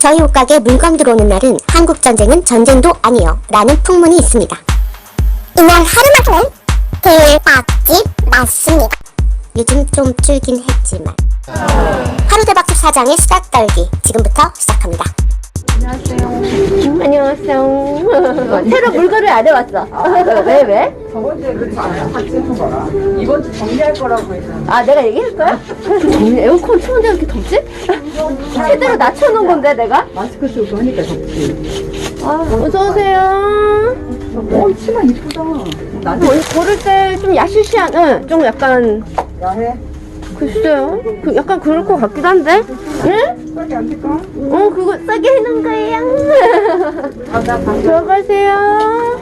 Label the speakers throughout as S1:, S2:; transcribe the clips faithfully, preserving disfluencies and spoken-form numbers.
S1: 저희 옷가게 물건 들어오는 날은 한국전쟁은 전쟁도 아니요 라는 풍문이 있습니다. 이날 하루만큼은 대박집 맞습니다. 요즘 좀 줄긴 했지만 하루대박집 사장의 수다 떨기 지금부터 시작합니다.
S2: 안녕하세요. 안녕하세요. 새로 물건을 안 해왔어. 아, 왜, 왜?
S3: 저번 주에 그렇지 않아요? 같이 해서 거라. 이번 주 정리할 거라고 했는데.
S2: 아, 내가 얘기할 거야? 에어컨 추운데 왜 이렇게 덥지? 최대로 낮춰놓은 건데, 내가?
S3: 마스크 쓰고 하니까 덥지.
S2: 아, 어서오세요.
S3: 어, 치마 이쁘다. 나도
S2: 오늘 고를 때 좀 야시시한, 응, 좀 약간,
S3: 야해.
S2: 글쎄요. 그 약간 그럴 것 같기도 한데? 응?
S3: 싸게 안 될까?
S2: 어, 그거 싸게 해놓은 거예요. 들어가세요.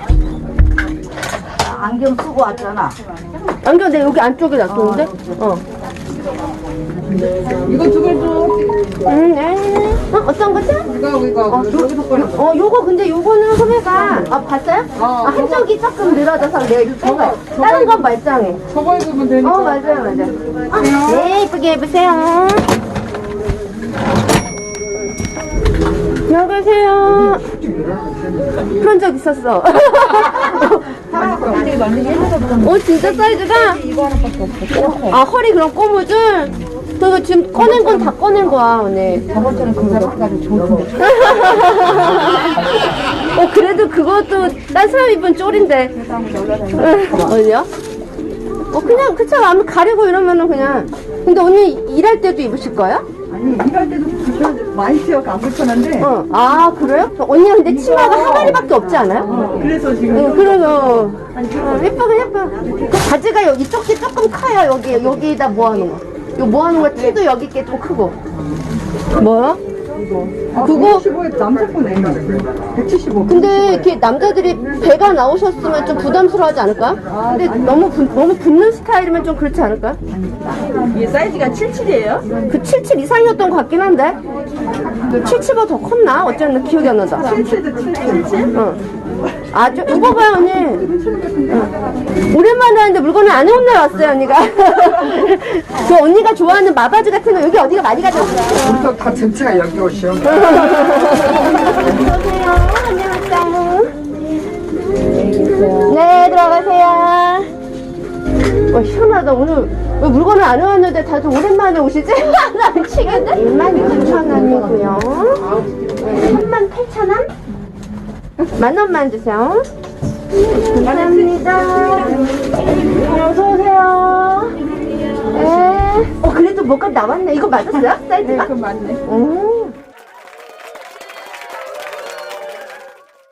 S3: 안경 쓰고 왔잖아.
S2: 안경 내 여기 안쪽에 놔뒀는데? 어.
S3: 이거 두 개 줘.
S2: 음, 네. 어, 어떤 거죠?
S3: 이거, 이거. 저기서 꺼내.
S2: 어, 요거 근데 요거는 소매가 아 봤어요?
S3: 어,
S2: 아, 한쪽이 조금 늘어져서 내가 이거 해봐요. 다른 건 말짱해.
S3: 저거 입으면 되니까.
S2: 어, 맞아요, 맞아요. 아, 네, 이쁘게 입으세요. 나가세요. 그런 적 있었어. 어, 진짜 사이즈가? 아, 허리 그럼 꼬무줄? 그거 지금 꺼낸 건 다 꺼낸 거야, 오늘.
S3: 저번 주는 그거 해가지고 좋던데.
S2: 어, 그래도 그것도 딴 사람 입은 쫄인데. 어디요? 어, 그냥, 그쵸. 아무 가리고 이러면은 그냥. 근데 언니 일할 때도 입으실 거예요?
S3: 아니, 일할 때도 불편, 많이 튀어가 안 불편한데.
S2: 어. 아, 그래요? 언니 근데 치마가 항아리밖에 없지 않아요?
S3: 어, 그래서 지금.
S2: 응, 그래서. 어, 예뻐, 예뻐. 그 바지가 여기 쪽이 조금 커요, 여기. 여기다 모아놓은 거. 요 모아놓은 거 티도 여기 게 좀 크고. 뭐야?
S3: 아,
S2: 그거-
S3: 백칠십오에 남자 거 내면 백칠십오.
S2: 근데 이렇게 남자들이 배가 나오셨으면 좀 부담스러워하지 않을까? 근데 너무 부, 너무 붙는 스타일이면 좀 그렇지 않을까?
S3: 이게 사이즈가 칠십칠이에요?
S2: 그 칠십칠 이상이었던 것 같긴 한데 칠십보다 더 컸나? 어쨌든 기억이 안 난다.
S3: 칠십도 칠십칠?
S2: 응. 아주 이거 봐요 언니. 응. 오랜만에 하는데 물건을 안 해온 날 왔어요 언니가. 그 언니가 좋아하는 마바지 같은 거 여기 어디가 많이 가져왔어요.
S3: 우리도 다 전체가 여기 오시오.
S2: 안녕하세요. 안녕하세요. 네, 들어가세요. 와, 시원하다. 오늘 왜 물건을 안 해왔는데 다들 오랜만에 오시지? 나 미치겠네. 일만 육천 원이고요. 삼만 팔천 원? 만 원만 주세요. 감사합니다. 어서오세요. 네. 어, 그래도 뭐가 나왔네. 이거 맞았어요? 사이즈가?
S3: 그건 맞네.
S2: 오.